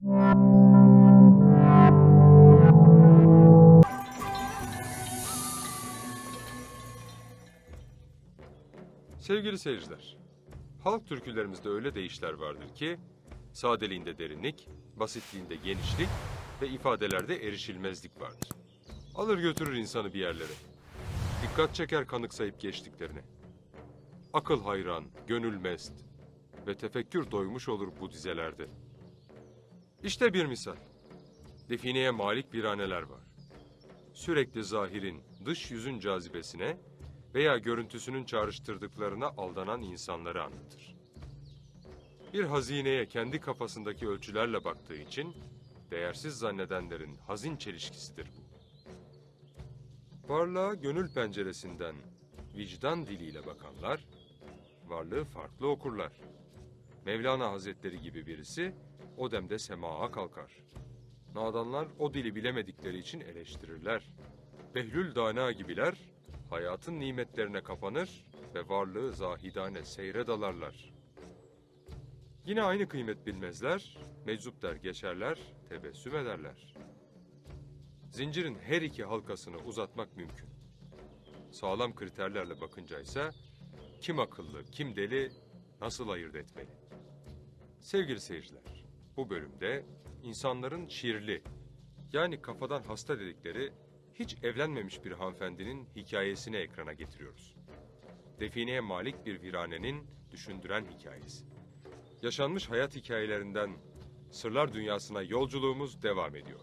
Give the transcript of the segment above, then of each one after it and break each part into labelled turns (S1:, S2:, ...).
S1: Sevgili seyirciler, halk türkülerimizde öyle deyişler vardır ki, sadeliğinde derinlik, basitliğinde genişlik ve ifadelerde erişilmezlik vardır. Alır götürür insanı bir yerlere. Dikkat çeker kanıksayıp geçtiklerine. Akıl hayran, gönül mest ve tefekkür doymuş olur bu dizelerde. İşte bir misal. Defineye malik viraneler var. Sürekli zahirin, dış yüzün cazibesine veya görüntüsünün çağrıştırdıklarına aldanan insanları anlatır. Bir hazineye kendi kafasındaki ölçülerle baktığı için değersiz zannedenlerin hazin çelişkisidir bu. Varlığa gönül penceresinden vicdan diliyle bakanlar, varlığı farklı okurlar. Mevlana Hazretleri gibi birisi o demde semaa kalkar. Nadanlar o dili bilemedikleri için eleştirirler. Behlül Dana gibiler hayatın nimetlerine kapanır ve varlığı zahidane seyre dalarlar. Yine aynı kıymet bilmezler, meczup der geçerler, tebessüm ederler. Zincirin her iki halkasını uzatmak mümkün. Sağlam kriterlerle bakınca ise kim akıllı, kim deli nasıl ayırt etmeli? Sevgili seyirciler, bu bölümde insanların şiirli, yani kafadan hasta dedikleri hiç evlenmemiş bir hanımefendinin hikayesini ekrana getiriyoruz. Defineye malik bir viranenin düşündüren hikayesi. Yaşanmış hayat hikayelerinden sırlar dünyasına yolculuğumuz devam ediyor.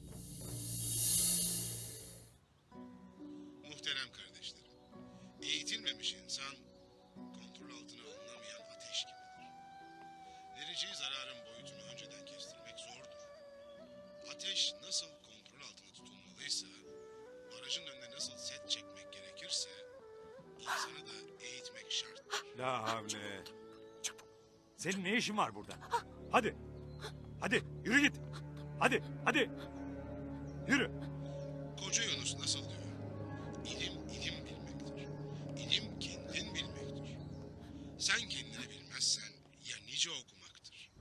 S2: Muhterem kardeşlerim, eğitilmemiş insan kontrol altına alınamayan ateş gibidir. Vereceği zararın boyutunu önceden kestirmek zordur. Ateş nasıl kontrol altında tutulmalıysa, barajın önüne nasıl set çekmek gerekirse, insanı da eğitmek şarttır.
S3: La havle. Senin ne işin var burada? Hadi. Hadi yürü git. Hadi. Yürü.
S2: Koca Yunus nasıl diyor? İlim ilim bilmektir. İlim kendin bilmektir. Sen kendini bilmezsen ya nice okumaktır.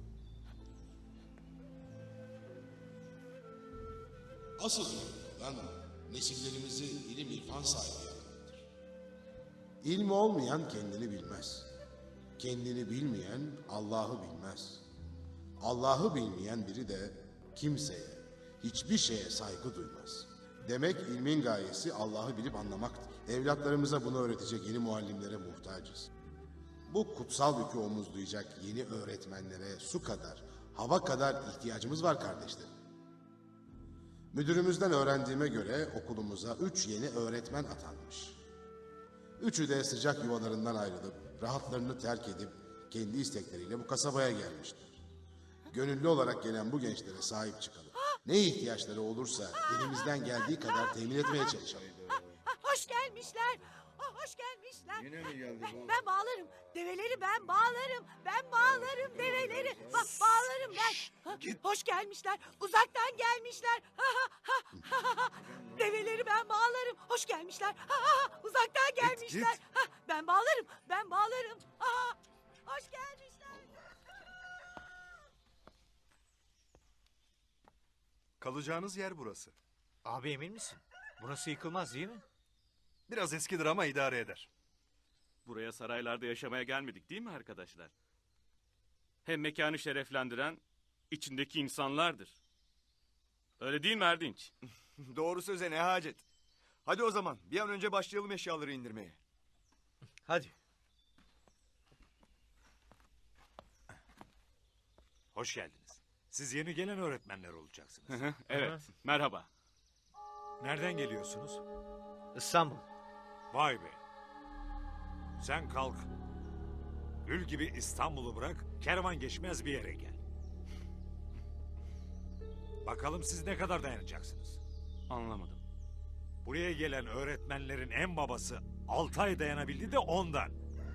S2: Asıl önemli olan nesillerimizi ilim irfan sahibi yapmaktır. İlmi olmayan kendini bilmez. Kendini bilmeyen Allah'ı bilmez. Allah'ı bilmeyen biri de kimseye, hiçbir şeye saygı duymaz. Demek ilmin gayesi Allah'ı bilip anlamaktır. Evlatlarımıza bunu öğretecek yeni muallimlere muhtacız. Bu kutsal yükü omuzlayacak yeni öğretmenlere su kadar, hava kadar ihtiyacımız var kardeşlerim. Müdürümüzden öğrendiğime göre okulumuza 3 yeni öğretmen atanmış. Üçü de sıcak yuvalarından ayrılıp, rahatlarını terk edip, kendi istekleriyle bu kasabaya gelmişler. Gönüllü olarak gelen bu gençlere sahip çıkalım. Ne ihtiyaçları olursa elimizden geldiği kadar temin etmeye çalışalım.
S4: Hoş gelmişler. Hoş gelmişler.
S5: Yine mi geldi bu?
S4: Ben bağlarım. Develeri ben bağlarım. Ben bağlarım develeri. Bağlarım ben. Hoş gelmişler. Uzaktan gelmişler. Develeri ben bağlarım. Hoş gelmişler. Uzaktan gelmişler. Ben bağlarım. Ben bağlarım. Hoş gelmişler.
S5: Kalacağınız yer burası.
S3: Abi emin misin? Burası yıkılmaz değil mi?
S5: Biraz eskidir ama idare eder.
S6: Buraya saraylarda yaşamaya gelmedik değil mi arkadaşlar? Hem mekanı şereflendiren içindeki insanlardır. Öyle değil mi Erdinç?
S5: Doğru söze ne hacet. Hadi o zaman bir an önce başlayalım eşyaları indirmeye.
S3: Hadi. Hoş geldiniz. Siz yeni gelen öğretmenler olacaksınız.
S6: Evet, merhaba.
S3: Nereden geliyorsunuz?
S7: İstanbul.
S3: Vay be. Sen kalk. Gül gibi İstanbul'u bırak, kervan geçmez bir yere gel. Bakalım siz ne kadar dayanacaksınız?
S6: Anlamadım.
S3: Buraya gelen öğretmenlerin en babası 6 ay dayanabildi de ondan.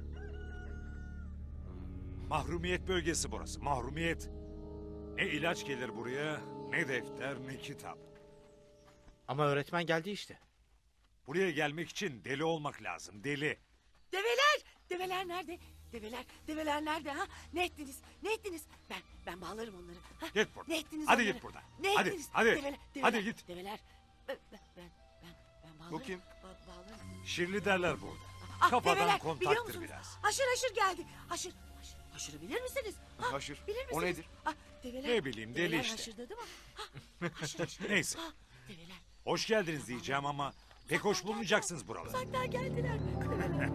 S3: Mahrumiyet bölgesi burası, mahrumiyet. Ne ilaç gelir buraya, ne defter, ne kitap.
S7: Ama öğretmen geldi işte.
S3: Buraya gelmek için deli olmak lazım, deli.
S4: Develer. Develer nerede? Develer nerede ha? Ne ettiniz? Ne ettiniz? Ben bağlarım onları. Ha?
S3: Git buradan.
S4: Ne ettiniz
S3: Hadi
S4: onları?
S3: git buradan.
S4: Ne
S3: Hadi,
S4: ettiniz?
S3: hadi.
S4: Develer,
S3: Hadi git.
S4: Develer. Ben bağlarım.
S5: Bu kim?
S4: Bağlarım.
S3: Şirli derler burada.
S4: Ah,
S3: Kafadan
S4: develer, biliyor
S3: kontaktır
S4: musunuz?
S3: biraz.
S4: Haşır geldi. Haşırı bilir misiniz? Ha,
S5: Haşır.
S4: Bilir
S5: O
S4: misiniz?
S5: nedir?
S4: Ah, develer,
S3: Ne bileyim, deli
S4: develer
S3: işte.
S4: haşırdadı mı? Ha, haşır.
S3: Neyse.
S4: Ha, develer.
S3: Hoş geldiniz diyeceğim ama pek hoş bulmayacaksınız buraları.
S4: Uzaktan geldiler. Develer.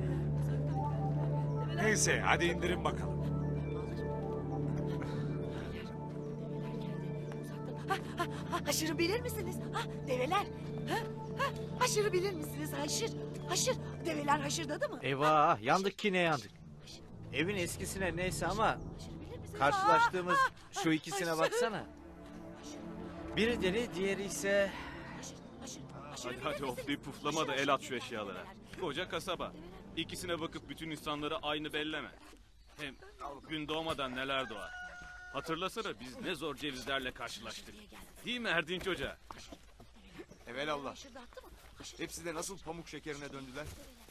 S3: Neyse hadi indirin bakalım.
S4: Haşırı bilir misiniz? Ha, develer. Haşırı bilir misiniz? Haşır. Develer haşırdadı mı?
S7: Eyvah yandık yine yandık. Evin eskisine neyse ama
S4: Haşırı bilir misiniz?
S7: karşılaştığımız şu
S4: haşır.
S7: ikisine baksana. Biri deli diğeri ise...
S4: Haşır
S6: Hadi
S4: bilir
S6: hadi
S4: misiniz?
S6: oflayıp puflama da el at şu eşyalara. Koca kasaba. İkisine bakıp bütün insanları aynı belleme. Hem gün doğmadan neler doğar. Hatırlasana biz ne zor cevizlerle karşılaştık. Değil mi Erdinç Hoca?
S5: Evelallah.
S4: Haşırdattı mı?
S5: Hepsi de nasıl pamuk şekerine döndüler.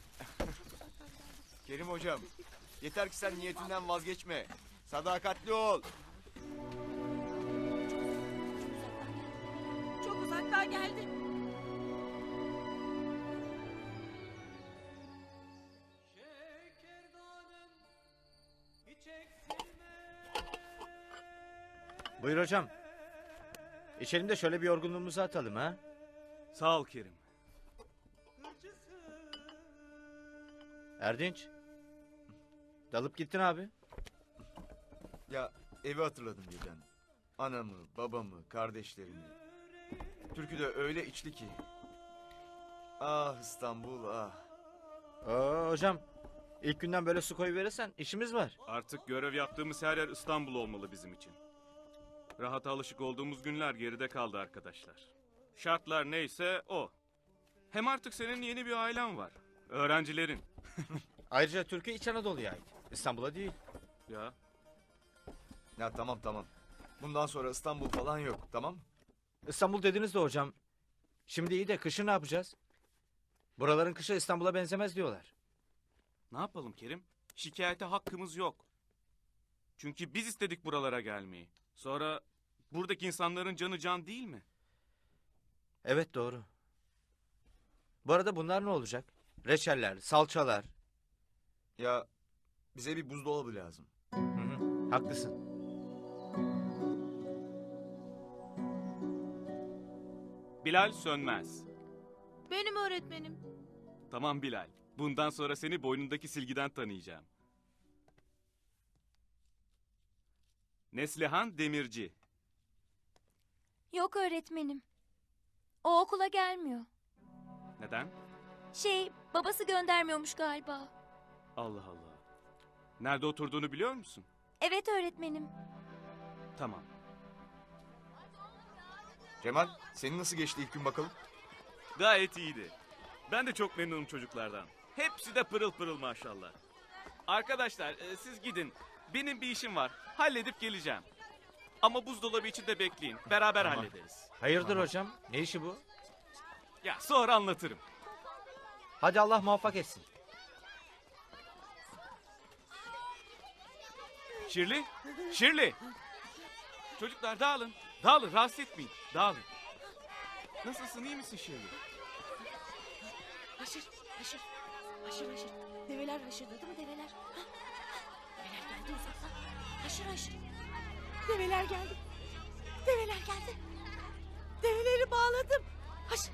S5: Kerim hocam. Yeter ki sen niyetinden vazgeçme. Sadakatli ol.
S4: Çok uzaktan geldi.
S7: Buyur hocam. İçelim de şöyle bir yorgunluğumuzu atalım ha.
S6: Sağ ol Kerim.
S7: Erdinç. Dalıp gittin abi.
S5: Ya evi hatırladım birden. Anamı, babamı, kardeşlerimi. Türkü de öyle içli ki. Ah İstanbul ah.
S7: Hocam ilk günden böyle su koyuverirsen işimiz var.
S6: Artık görev yaptığımız her yer İstanbul olmalı bizim için. Rahata alışık olduğumuz günler geride kaldı arkadaşlar. Şartlar neyse o. Hem artık senin yeni bir ailen var. Öğrencilerin.
S7: Ayrıca Türkiye İç Anadolu'ya ait. İstanbul'a değil.
S6: Ya
S5: Ya tamam. Bundan sonra İstanbul falan yok tamam mı?
S7: İstanbul dediniz de hocam. Şimdi iyi de kışı ne yapacağız? Buraların kışı İstanbul'a benzemez diyorlar.
S6: ne yapalım Kerim? Şikayete hakkımız yok. Çünkü biz istedik buralara gelmeyi. Sonra buradaki insanların canı can değil mi?
S7: Evet doğru. Bu arada bunlar ne olacak? Reçeller, salçalar.
S5: Ya bize bir buzdolabı lazım.
S7: Hı, haklısın.
S6: Bilal Sönmez.
S8: Benim öğretmenim.
S6: Tamam Bilal. Bundan sonra seni boynundaki silgiden tanıyacağım. Neslihan Demirci.
S8: Yok öğretmenim. O okula gelmiyor.
S6: Neden?
S8: Babası göndermiyormuş galiba.
S6: Allah Allah. Nerede oturduğunu biliyor musun?
S8: Evet öğretmenim.
S6: Tamam.
S5: Cemal senin nasıl geçti ilk gün bakalım?
S6: Gayet iyiydi. Ben de çok memnunum çocuklardan. Hepsi de pırıl pırıl maşallah. Arkadaşlar siz gidin. Benim bir işim var. Halledip geleceğim. Ama buzdolabı için de bekleyin. Beraber hallederiz.
S7: Hayırdır hocam? Ne işi bu?
S6: Ya sonra anlatırım.
S7: Hadi Allah muvaffak etsin.
S6: Şirli, Şirli. Çocuklar dağılın. Dağılın, rahatsız etmeyin. Dağılın. Nasılsın, iyi misin Şirli?
S4: Haşır. Develer haşırdadı mı develer? Ha? Develer geldi uzaktan. Haşır. Develer geldi. Develeri bağladım. Haşır.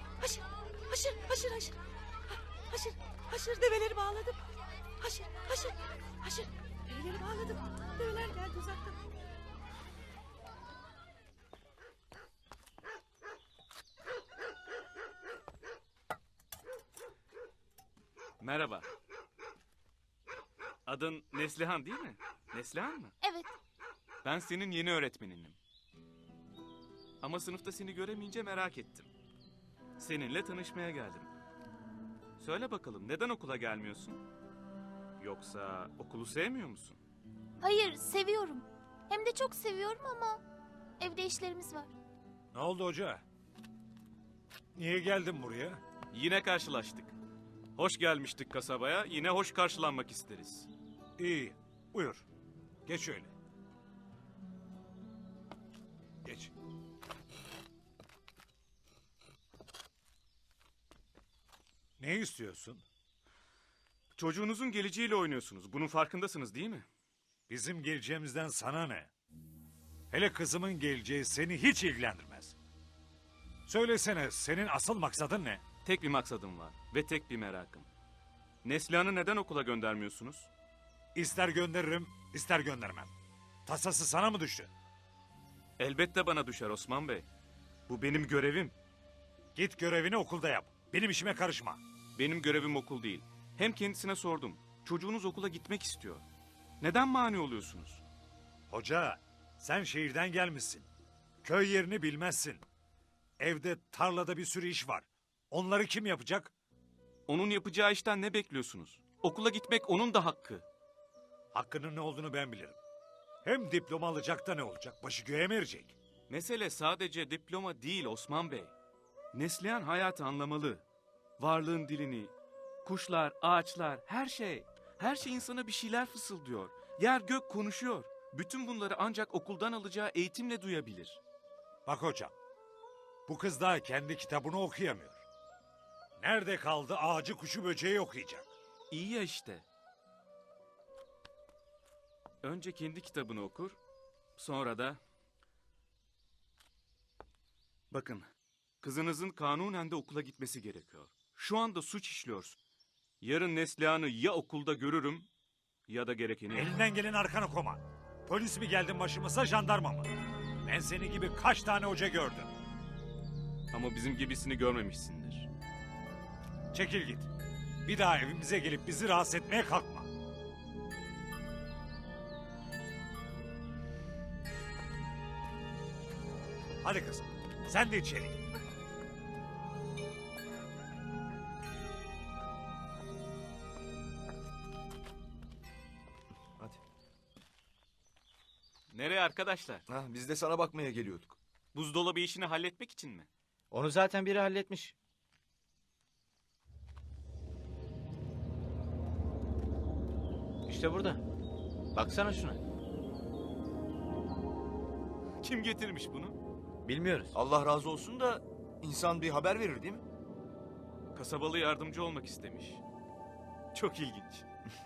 S4: Develeri bağladım. Haşır. Develeri bağladım. Develer geldi uzaktan.
S6: Merhaba. Adın Neslihan değil mi? Neslihan mı?
S8: Evet.
S6: Ben senin yeni öğretmeninim. Ama sınıfta seni göremeyince merak ettim. Seninle tanışmaya geldim. Söyle bakalım neden okula gelmiyorsun? Yoksa okulu sevmiyor musun?
S8: Hayır seviyorum. Hem de çok seviyorum ama evde işlerimiz var.
S3: Ne oldu hoca? Niye geldin buraya?
S6: Yine karşılaştık. Hoş gelmiştik kasabaya, yine hoş karşılanmak isteriz.
S3: İyi. Buyur. Geç şöyle. Geç. Ne istiyorsun?
S6: Çocuğunuzun geleceğiyle oynuyorsunuz. Bunun farkındasınız değil mi?
S3: Bizim geleceğimizden sana ne? Hele kızımın geleceği seni hiç ilgilendirmez. Söylesene, senin asıl maksadın ne?
S6: Tek bir maksadım var ve tek bir merakım. Neslihan'ı neden okula göndermiyorsunuz?
S3: İster gönderirim, ister göndermem. Tasası sana mı düştü?
S6: Elbette bana düşer Osman Bey. Bu benim görevim.
S3: Git görevini okulda yap. Benim işime karışma.
S6: Benim görevim okul değil. Hem kendisine sordum. Çocuğunuz okula gitmek istiyor. Neden mani oluyorsunuz?
S3: Hoca, sen şehirden gelmişsin. Köy yerini bilmezsin. Evde, tarlada bir sürü iş var. Onları kim yapacak?
S6: Onun yapacağı işten ne bekliyorsunuz? Okula gitmek onun da hakkı.
S3: Hakkının ne olduğunu ben bilirim. Hem diploma alacak da ne olacak? Başı göğe mi erecek?
S6: Mesele sadece diploma değil Osman Bey. Neslihan hayatı anlamalı. Varlığın dilini, kuşlar, ağaçlar, her şey. Her şey insana bir şeyler fısıldıyor. Yer gök konuşuyor. Bütün bunları ancak okuldan alacağı eğitimle duyabilir.
S3: Bak hocam, bu kız daha kendi kitabını okuyamıyor. Nerede kaldı ağacı kuşu böceği okuyacak?
S6: İyi ya işte. Önce kendi kitabını okur, sonra da... Bakın, kızınızın kanunen de okula gitmesi gerekiyor. Şu anda suç işliyorsun. Yarın Neslihan'ı ya okulda görürüm ya da gerekeni...
S3: Elinden gelen arkana koma. Polis mi geldin başımıza, jandarma mı? Ben seni gibi kaç tane hoca gördüm.
S6: Ama bizim gibisini görmemişsindir.
S3: Çekil git. Bir daha evimize gelip bizi rahatsız etmeye kalkma. Hadi kızım, sen de içeri gir.
S5: Hadi.
S6: Nereye arkadaşlar?
S5: Biz de sana bakmaya geliyorduk.
S6: Buzdolabı işini halletmek için mi?
S7: Onu zaten biri halletmiş. İşte burada. Baksana şuna.
S6: Kim getirmiş bunu?
S7: Bilmiyoruz.
S5: Allah razı olsun da insan bir haber verir değil mi?
S6: Kasabalı yardımcı olmak istemiş. Çok ilginç.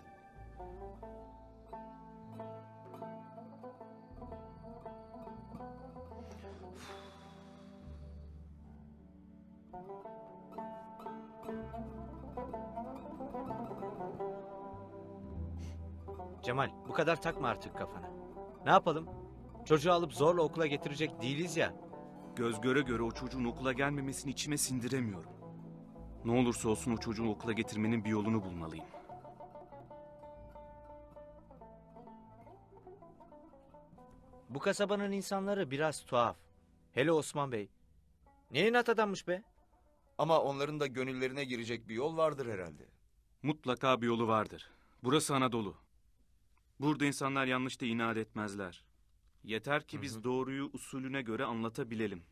S7: Cemal, bu kadar takma artık kafana. Ne yapalım? Çocuğu alıp zorla okula getirecek değiliz ya.
S6: Göz göre göre o çocuğun okula gelmemesini içime sindiremiyorum. Ne olursa olsun o çocuğu okula getirmenin bir yolunu bulmalıyım.
S7: Bu kasabanın insanları biraz tuhaf. Hele Osman Bey. Ne inat adammış be?
S5: Ama onların da gönüllerine girecek bir yol vardır herhalde.
S6: Mutlaka bir yolu vardır. Burası Anadolu. Burada insanlar yanlış da inat etmezler. Yeter ki biz doğruyu usulüne göre anlatabilelim.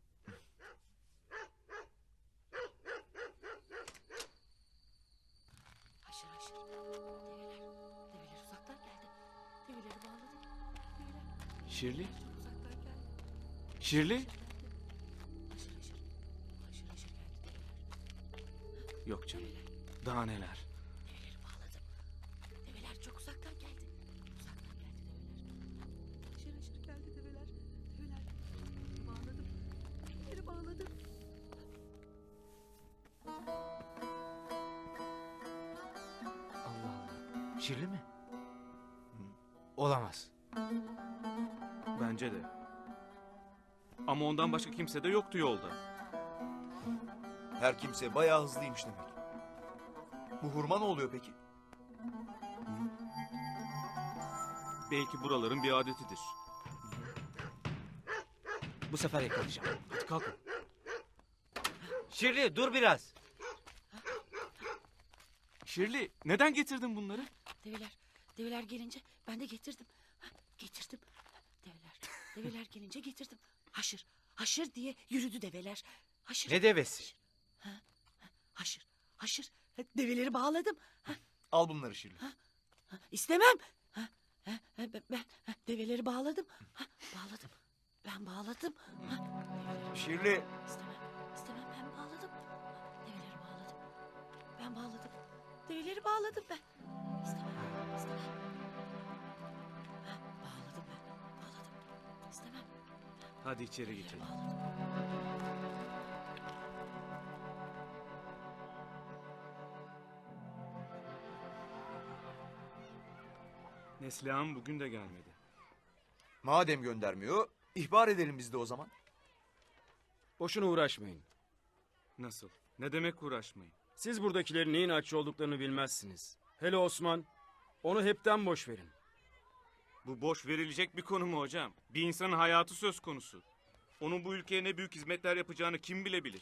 S4: Haşır haşır. Develer uzaktan geldi. Develeri bağladım. Develer
S6: Şirli?
S4: uzaktan geldi.
S6: Şirli?
S4: Haşır haşır. Haşır haşır geldi develer.
S6: Yok canım. Daha neler?
S4: Develeri bağladım. Develer çok uzaktan geldi. Uzaktan geldi develer. Haşır haşır geldi develer. Develer. Bağladım. Develeri bağladım.
S7: Allah Allah. Şirli mi? Olamaz.
S6: Bence de. Ama ondan başka kimse de yoktu yolda.
S5: Her kimse bayağı hızlıymış demek. Bu hurma ne oluyor peki?
S6: Belki buraların bir adetidir.
S7: Bu sefer yakalayacağım. Hadi kalkın. Şirli dur biraz.
S6: Şirli, neden getirdin bunları?
S4: Develer gelince ben de getirdim. Getirdim. Develer gelince getirdim. Haşır diye yürüdü develer. Haşır.
S7: Ne devesi?
S4: Haşır. Develeri bağladım.
S5: Al bunları Şirli.
S4: İstemem. Ben develeri bağladım. Bağladım. Ben bağladım.
S5: Şirli.
S4: İstemem. İstemem, ben bağladım. Develeri bağladım. Ben bağladım. Develeri bağladım ben. İstemem. İstemem. Bağladım ben. Bağladım. İstemem.
S6: Hadi içeri geçelim.
S4: Bağladım.
S6: Neslihan bugün de gelmedi.
S5: Madem göndermiyor, ihbar edelim biz de o zaman.
S9: Boşuna uğraşmayın.
S6: Nasıl? Ne demek uğraşmayın?
S9: Siz buradakilerin neyin açı olduklarını bilmezsiniz. Hele Osman, onu hepten boş verin.
S6: Bu boş verilecek bir konu mu hocam? Bir insanın hayatı söz konusu. Onun bu ülkeye ne büyük hizmetler yapacağını kim bilebilir?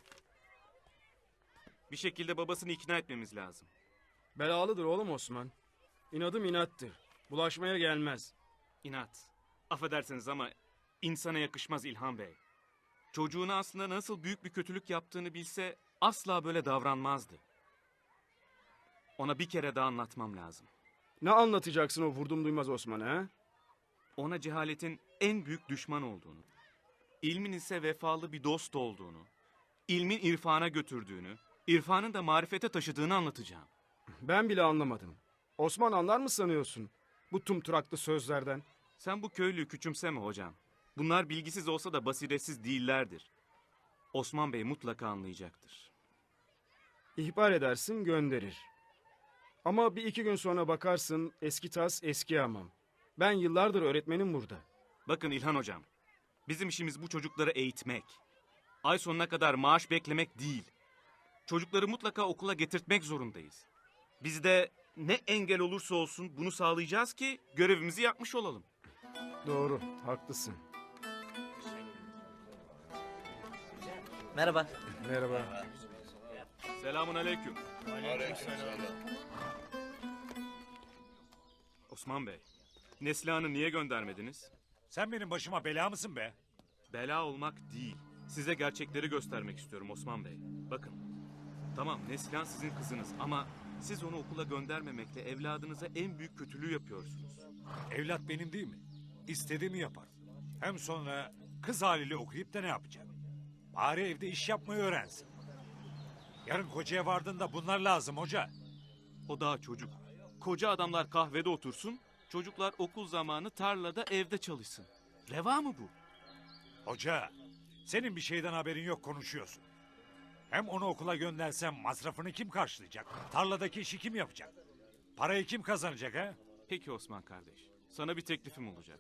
S6: Bir şekilde babasını ikna etmemiz lazım.
S9: Belalıdır oğlum Osman. İnadım inattır. Bulaşmaya gelmez.
S6: İnat. Affedersiniz ama insana yakışmaz İlhan Bey. Çocuğuna aslında nasıl büyük bir kötülük yaptığını bilse asla böyle davranmazdı. Ona bir kere daha anlatmam lazım.
S9: Ne anlatacaksın o vurdum duymaz Osman'a ha?
S6: Ona cehaletin en büyük düşman olduğunu, ilmin ise vefalı bir dost olduğunu, ilmin irfana götürdüğünü, irfanın da marifete taşıdığını anlatacağım.
S9: Ben bile anlamadım. Osman anlar mı sanıyorsun? Bu tumturaklı sözlerden.
S6: Sen bu köylüyü küçümseme hocam. Bunlar bilgisiz olsa da basiretsiz değillerdir. Osman Bey mutlaka anlayacaktır.
S9: İhbar edersin gönderir. Ama bir iki gün sonra bakarsın eski tas eski hamam. Ben yıllardır öğretmenim burada.
S6: Bakın İlhan hocam, bizim işimiz bu çocukları eğitmek. Ay sonuna kadar maaş beklemek değil. Çocukları mutlaka okula getirtmek zorundayız. Biz de ne engel olursa olsun bunu sağlayacağız ki görevimizi yapmış olalım.
S9: Doğru, haklısın.
S7: Merhaba.
S9: Merhaba.
S6: Selamun aleyküm. Osman Bey, Neslihan'ı niye göndermediniz?
S3: Sen benim başıma bela mısın be?
S6: Bela olmak değil. Size gerçekleri göstermek istiyorum Osman Bey. Bakın. Tamam Neslihan sizin kızınız ama siz onu okula göndermemekle evladınıza en büyük kötülüğü yapıyorsunuz.
S3: Evlat benim değil mi? İstediğimi yapar. Hem sonra kız haliyle okuyup da ne yapacak? Bari evde iş yapmayı öğrensin. Yarın kocaya vardığında bunlar lazım hoca.
S6: O daha çocuk. Koca adamlar kahvede otursun, çocuklar okul zamanı tarlada evde çalışsın. Reva mı bu?
S3: Hoca, senin bir şeyden haberin yok konuşuyorsun. Hem onu okula göndersem masrafını kim karşılayacak? Tarladaki işi kim yapacak? Parayı kim kazanacak ha?
S6: Peki Osman kardeş, sana bir teklifim olacak.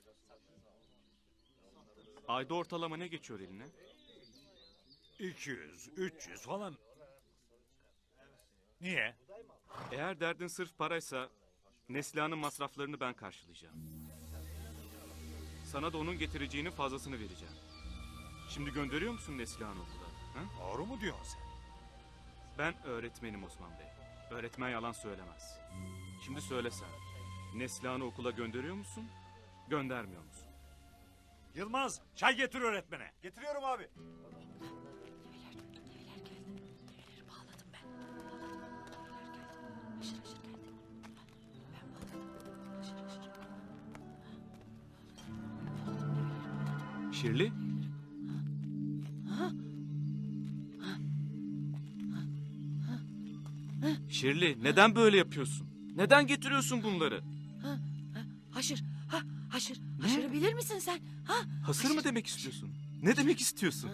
S6: Ayda ortalama ne geçiyor eline?
S3: 200, 300 falan. Niye?
S6: Eğer derdin sırf paraysa Neslihan'ın masraflarını ben karşılayacağım. Sana da onun getireceğinin fazlasını vereceğim. Şimdi gönderiyor musun Neslihan'ı okula? Ha?
S3: Doğru mu diyorsun sen?
S6: Ben öğretmenim Osman Bey. Öğretmen yalan söylemez. Şimdi söylesen. Neslihan'ı okula gönderiyor musun? Göndermiyor musun?
S3: Yılmaz, çay getir öğretmene.
S5: Getiriyorum abi.
S4: Develer geldi. Develeri bağladım ben. Bağladım. Develer geldi. Haşır haşır geldi. Ben bağladım. Haşır haşır.
S6: Şirli? Şirli, neden böyle yapıyorsun? Neden getiriyorsun bunları?
S4: Haşır. Haşır. Haşırı bilir misin sen? Ha?
S6: Hasır mı demek istiyorsun? Ne demek istiyorsun?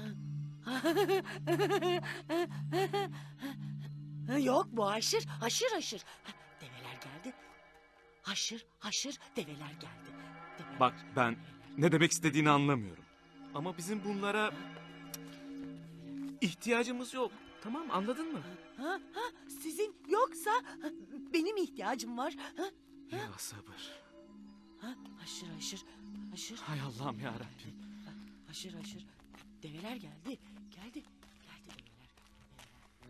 S4: Yok bu haşır. Haşır haşır. Develer geldi. Haşır haşır develer geldi. Develer.
S6: Bak ben ne demek istediğini anlamıyorum. Ama bizim bunlara ihtiyacımız yok. Tamam anladın mı?
S4: Sizin yoksa benim ihtiyacım var.
S6: Ya sabır.
S4: Haşır haşır. Haşır.
S6: Hay Allah'ım ya Rabbim.
S4: Haşır haşır. Develer geldi. Geldi. Geldi develer.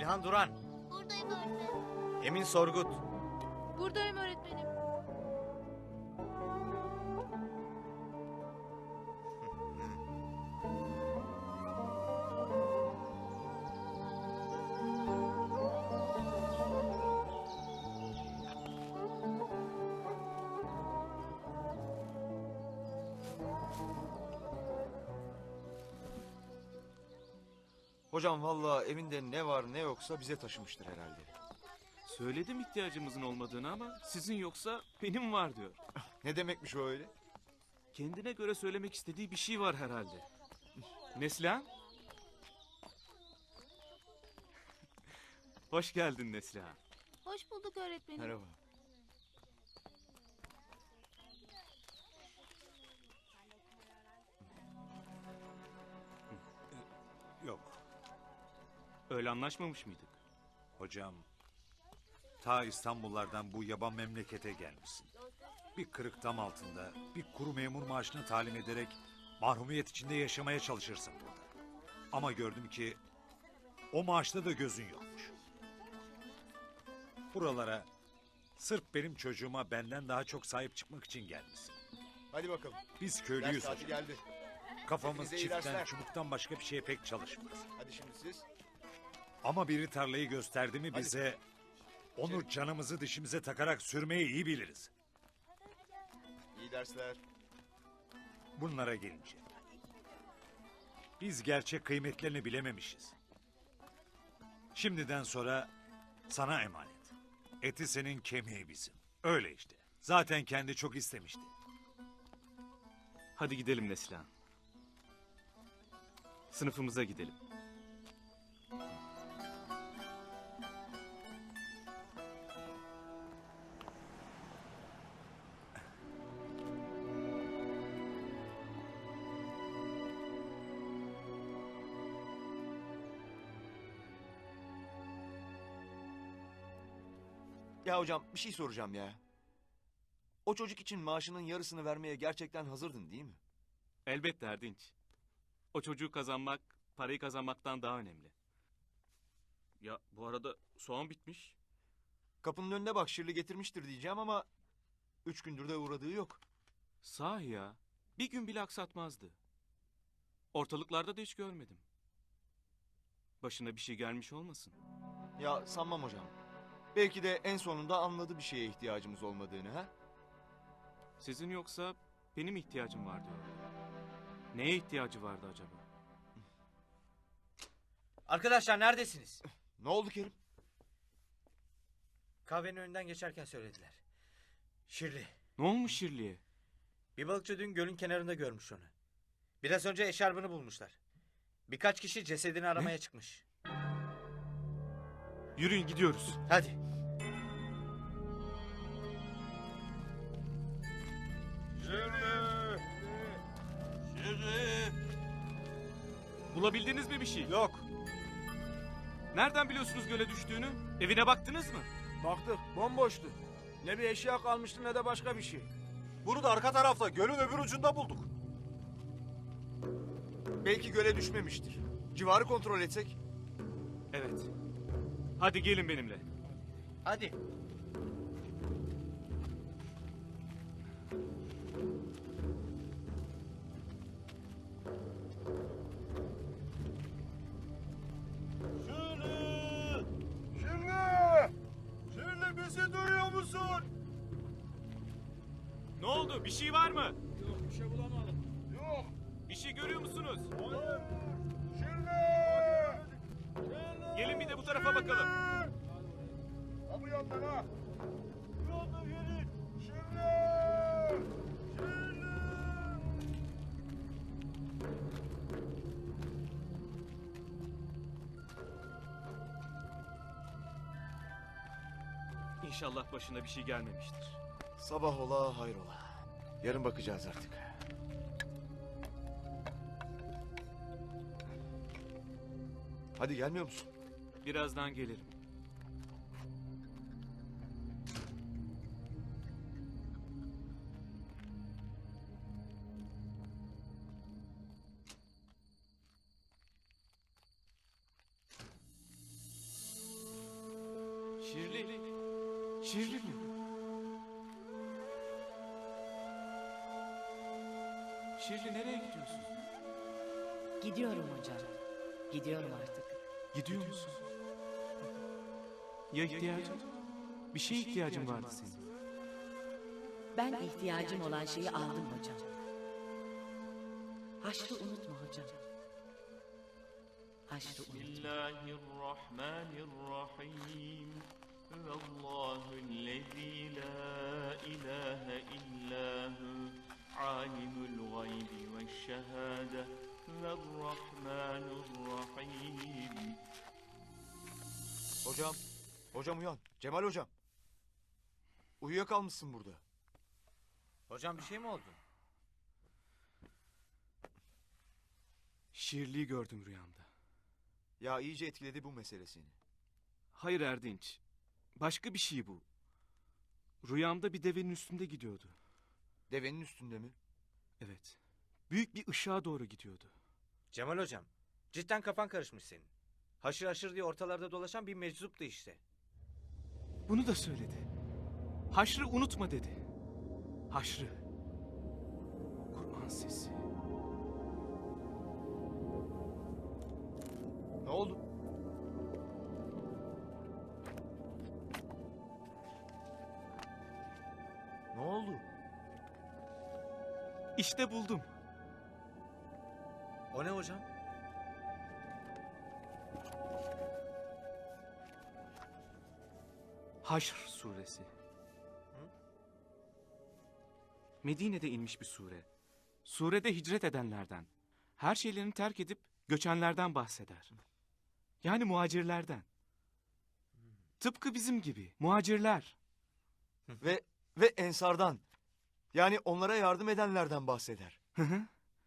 S7: İlhan Duran.
S8: Buradayım öğretmenim.
S7: Emin Sorgut.
S8: Buradayım öğretmenim.
S5: Hocam vallahi evinde ne var ne yoksa bize taşımıştır herhalde.
S6: Söyledim ihtiyacımızın olmadığını ama sizin yoksa benim var diyor.
S5: Ne demekmiş o öyle?
S6: Kendine göre söylemek istediği bir şey var herhalde. Neslihan? Hoş geldin Neslihan.
S8: Hoş bulduk öğretmenim.
S5: Merhaba.
S3: Yok.
S6: Öyle anlaşmamış mıydık?
S3: Hocam, ta İstanbullardan bu yaban memlekete gelmişsin. Bir kırık dam altında, bir kuru memur maaşını talim ederek mahrumiyet içinde yaşamaya çalışırsın burada. Ama gördüm ki o maaşta da gözün yokmuş. Buralara sırf benim çocuğuma benden daha çok sahip çıkmak için gelmişsin.
S5: Hadi bakalım.
S3: Biz
S5: Ders
S3: köylüyüz
S5: saati
S3: hocam.
S5: geldi.
S3: Kafamız
S5: Hepinize iyi
S3: çiftten,
S5: dersler.
S3: çubuktan başka bir şeye pek çalışmaz.
S5: Hadi şimdi siz.
S3: Ama biri tarlayı gösterdi mi
S5: Hadi.
S3: bize, onu canımızı dişimize takarak sürmeyi iyi biliriz.
S5: İyi dersler.
S3: Bunlara gelince. Biz gerçek kıymetlerini bilememişiz. Şimdiden sonra sana emanet. Eti senin, kemiği bizim. Öyle işte. Zaten kendi çok istemişti.
S6: Hadi gidelim Neslihan. Sınıfımıza gidelim.
S5: Ya hocam bir şey soracağım ya. O çocuk için maaşının yarısını vermeye gerçekten hazırdın değil mi?
S6: Elbette Erdinç. O çocuğu kazanmak, parayı kazanmaktan daha önemli. Ya bu arada soğan bitmiş.
S5: Kapının önüne bak Şirli getirmiştir diyeceğim ama 3 gündür de uğradığı yok.
S6: Sahi ya. Bir gün bile aksatmazdı. Ortalıklarda da hiç görmedim. Başına bir şey gelmiş olmasın?
S5: Ya sanmam hocam. Belki de en sonunda anladı bir şeye ihtiyacımız olmadığını ha?
S6: Sizin yoksa benim ihtiyacım var diyor. Neye ihtiyacı vardı acaba?
S7: Arkadaşlar neredesiniz?
S5: Ne oldu Kerim?
S7: Kahvenin önünden geçerken söylediler. Şirli.
S6: Ne olmuş Şirli'ye?
S7: Bir balıkçı dün gölün kenarında görmüş onu. Biraz önce eşarbını bulmuşlar. Birkaç kişi cesedini aramaya çıkmış.
S6: Yürüyün gidiyoruz.
S7: Hadi.
S6: Bulabildiniz mi bir şey?
S9: Yok.
S6: Nereden biliyorsunuz göle düştüğünü? Evine baktınız mı?
S9: Baktık bomboştu. Ne bir eşya kalmıştı ne de başka bir şey.
S5: Bunu da arka tarafta gölün öbür ucunda bulduk. Belki göle düşmemiştir. Civarı kontrol etsek.
S6: Evet. Hadi gelin benimle.
S7: Hadi.
S5: Şirli bizi duyuyor musun?
S6: Ne oldu? Bir şey var mı?
S9: Yok bir şey bulamadım.
S5: Yok.
S6: Bir şey görüyor musunuz?
S5: Hayır. Şirli.
S6: Gelin bir de bu tarafa bakalım.
S5: Ha bu yandan ha. Bu yandan gelin. Şirli. Şirli.
S6: İnşallah başına bir şey gelmemiştir.
S5: Sabah ola hayrola. Yarın bakacağız artık. Hadi gelmiyor musun?
S6: Birazdan gelirim. Şirli. Şirli mi? Şirli nereye gidiyorsun?
S4: Gidiyorum hocam. Gidiyorum artık.
S6: Gidiyor musun? Ya ihtiyacın? Bir şeye ihtiyacın vardı senin.
S4: Ben ihtiyacım olan şeyi aldım hocam. Haşrı unutma hocam. Haşrı unutma.
S10: Bismillahirrahmanirrahim. Allahüllezî la ilahe illâhu alimul gaybi veşşehâde verrahmanirrahim.
S5: Hocam, hocam uyan. Cemal hocam. Uyuyakalmışsın burada.
S7: Hocam bir şey mi oldu?
S6: Şirli'yi gördüm rüyamda.
S5: Ya iyice etkiledi bu mesele seni.
S6: Hayır Erdinç. Başka bir şey bu. Rüyamda bir devenin üstünde gidiyordu.
S5: Devenin üstünde mi?
S6: Evet. Büyük bir ışığa doğru gidiyordu.
S7: Cemal hocam, cidden kafan karışmış senin. Haşır haşır diye ortalarda dolaşan bir meczuptu işte.
S6: Bunu da söyledi. Haşrı unutma dedi. Haşrı. Kur'an sesi.
S5: Ne oldu? Ne oldu?
S6: İşte buldum.
S7: O ne hocam?
S6: Haşr suresi. Medine'de inmiş bir sure. Surede hicret edenlerden, her şeylerini terk edip göçenlerden bahseder. Yani muhacirlerden. Tıpkı bizim gibi muhacirler.
S5: Ve ensardan. Yani onlara yardım edenlerden bahseder.
S6: Hı hı.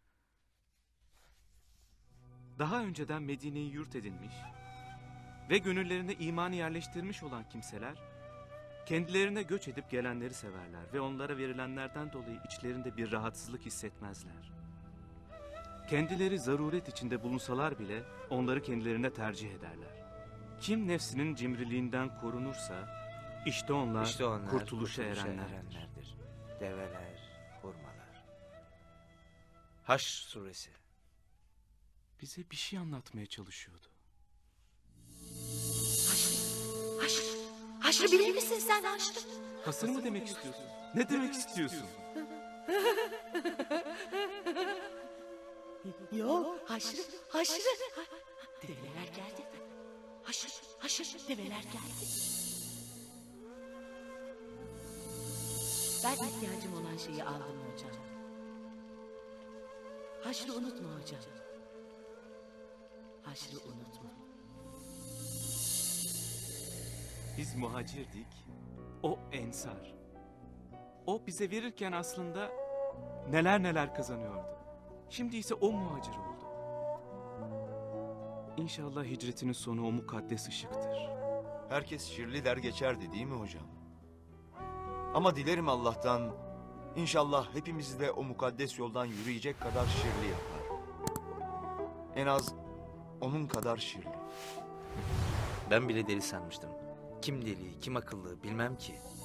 S6: Daha önceden Medine'yi yurt edinmiş ve gönüllerine imanı yerleştirmiş olan kimseler, kendilerine göç edip gelenleri severler ve onlara verilenlerden dolayı içlerinde bir rahatsızlık hissetmezler. Kendileri zaruret içinde bulunsalar bile onları kendilerine tercih ederler. Kim nefsinin cimriliğinden korunursa, işte onlar, kurtuluşa erenlerdir.
S7: Develer, hurmalar. Haşr suresi.
S6: Bize bir şey anlatmaya çalışıyordu.
S8: Haşrı bilir misin sen Haşrı?
S6: Hasır mı demek istiyorsun? Ne demek istiyorsun?
S4: Yo, haşrı. Develer geldi. Haşrı, develer geldi. Ben ihtiyacım olan şeyi aldım hocam. Haşrı unutma hocam. Haşrı unutma.
S6: Biz muhacirdik, o ensar. O bize verirken aslında neler neler kazanıyordu. Şimdi ise o muhacir oldu. İnşallah hicretinin sonu o mukaddes ışıktır.
S5: Herkes şirli der geçerdi değil mi hocam? Ama dilerim Allah'tan inşallah hepimizi de o mukaddes yoldan yürüyecek kadar şirli yapar. En az onun kadar şirli.
S7: Ben bile deli sanmıştım. Kim deli, kim akıllı bilmem ki.